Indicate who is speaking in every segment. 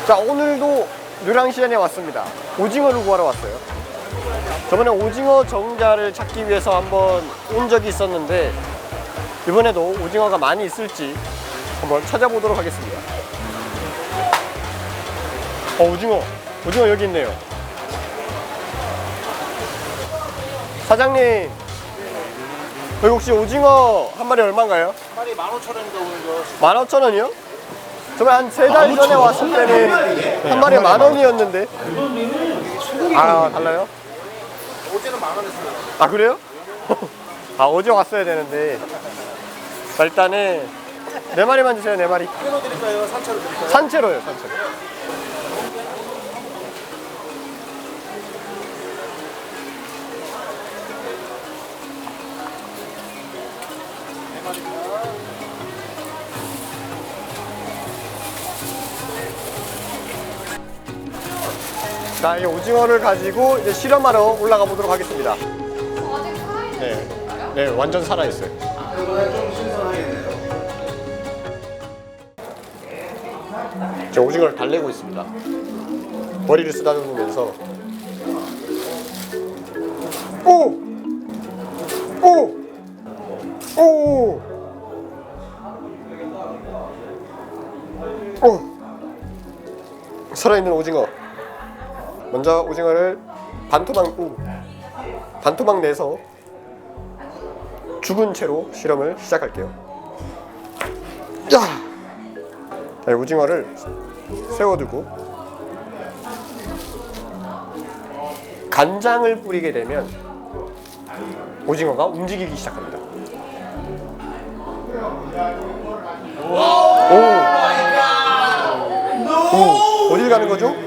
Speaker 1: 자, 오늘도 노량시장에 왔습니다. 오징어를 구하러 왔어요. 저번에 오징어 정자를 찾기 위해서 한번 온 적이 있었는데 이번에도 오징어가 많이 있을지 한번 찾아보도록 하겠습니다. 오징어 여기 있네요. 사장님, 여기 혹시 오징어 한 마리 얼마인가요?
Speaker 2: 한 마리 15,000원인가 오늘
Speaker 1: 15,000원이요? 저번에 한 3달 전에 왔을 때는 한 마리에 10,000원이었는데. 아, 달라요?
Speaker 2: 어제는 10,000원 했어요.
Speaker 1: 아, 그래요? 아, 어제 왔어야 되는데. 자, 일단은 4마리만 주세요. 4마리.
Speaker 2: 끼로 드릴까요? 산채로 드릴까요?
Speaker 1: 산채로요, 산채로. 자, 이 오징어를 가지고 이제 실험하러 올라가 보도록 하겠습니다.
Speaker 3: 아직 살아있는
Speaker 1: 네,
Speaker 3: 건가요?
Speaker 1: 네, 완전 살아있어요.
Speaker 2: 좀 신선하겠네요.
Speaker 1: 저 오징어를 달래고 있습니다. 머리를 쓰다듬으면서. 오! 오! 오! 오! 살아있는 오징어. 먼저 오징어를 반토막 내서 죽은 채로 실험을 시작할게요. 야! 자, 오징어를 세워두고 간장을 뿌리게 되면 오징어가 움직이기 시작합니다. 오, 어딜 가는 거죠?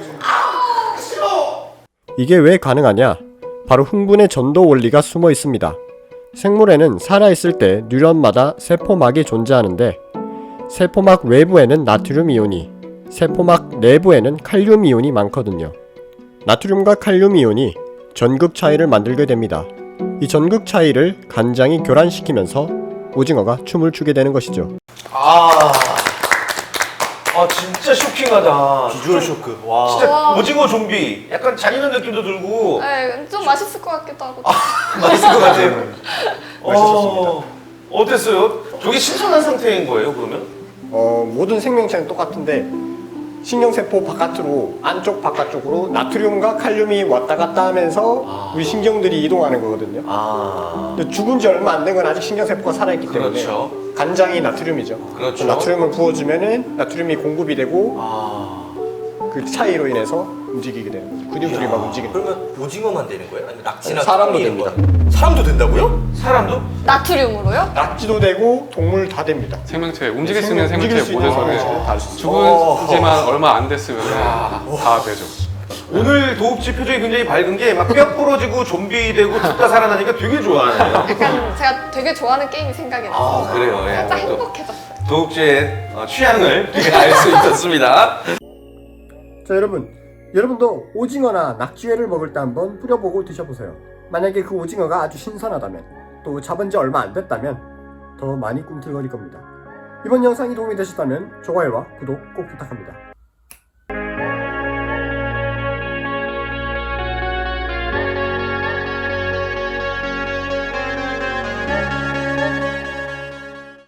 Speaker 1: 이게 왜 가능하냐? 바로 흥분의 전도 원리가 숨어 있습니다. 생물에는 살아있을 때 뉴런마다 세포막이 존재하는데 세포막 외부에는 나트륨 이온이, 세포막 내부에는 칼륨 이온이 많거든요. 나트륨과 칼륨 이온이 전극 차이를 만들게 됩니다. 이 전극 차이를 간장이 교란시키면서 오징어가 춤을 추게 되는 것이죠.
Speaker 4: 진짜 쇼킹하다.
Speaker 2: 비주얼 쇼크. 와.
Speaker 4: 진짜
Speaker 3: 와.
Speaker 4: 오징어 좀비. 약간 잔인한 느낌도 들고
Speaker 3: 네, 좀 맛있을 것 같기도 하고.
Speaker 4: 맛있을 것 같아요.
Speaker 1: 맛있었습니다.
Speaker 4: 어땠어요? 저게 신선한 상태인 거예요, 그러면?
Speaker 1: 모든 생명체는 똑같은데 신경세포 바깥으로, 안쪽 바깥쪽으로 나트륨과 칼륨이 왔다 갔다 하면서 우리 신경들이 이동하는 거거든요. 근데 죽은 지 얼마 안 된 건 아직 신경세포가 살아있기 때문에
Speaker 4: 그렇죠.
Speaker 1: 간장이 나트륨이죠.
Speaker 4: 그렇죠.
Speaker 1: 나트륨을 부어주면은 나트륨이 공급이 되고 그 차이로 인해서 움직이게 되는 거죠. 근육들이 막 움직이는 거죠.
Speaker 5: 그러면 오징어만 되는 거예요? 아니면 낙지나
Speaker 1: 사람도
Speaker 5: 토끼 이런
Speaker 1: 됩니다.
Speaker 5: 거요? 사람도 된다고요?
Speaker 4: 사람도?
Speaker 3: 나트륨으로요?
Speaker 1: 낙지도 되고 동물 다 됩니다.
Speaker 6: 생명체, 움직일 수 있는
Speaker 1: 움직일
Speaker 6: 생명체
Speaker 1: 수 있는
Speaker 6: 모든
Speaker 1: 생명체는 다 할 수 있어요.
Speaker 6: 죽은 지만 얼마 안 됐으면 다 되죠.
Speaker 4: 오늘 도읍지 표정이 굉장히 밝은 게 막 뼈 부러지고 좀비 되고 죽다 살아나니까 되게 좋아하네요.
Speaker 3: 약간 제가 되게 좋아하는 게임이 생각이 났어요.
Speaker 4: 그래요. 예.
Speaker 3: 살짝 행복해졌어요.
Speaker 4: 도읍지의 취향을 되게 알 수 있었습니다.
Speaker 1: 자, 여러분도 오징어나 낙지회를 먹을 때 한번 뿌려보고 드셔보세요. 만약에 그 오징어가 아주 신선하다면, 또 잡은 지 얼마 안 됐다면 더 많이 꿈틀거릴 겁니다. 이번 영상이 도움이 되셨다면 좋아요와 구독 꼭 부탁합니다.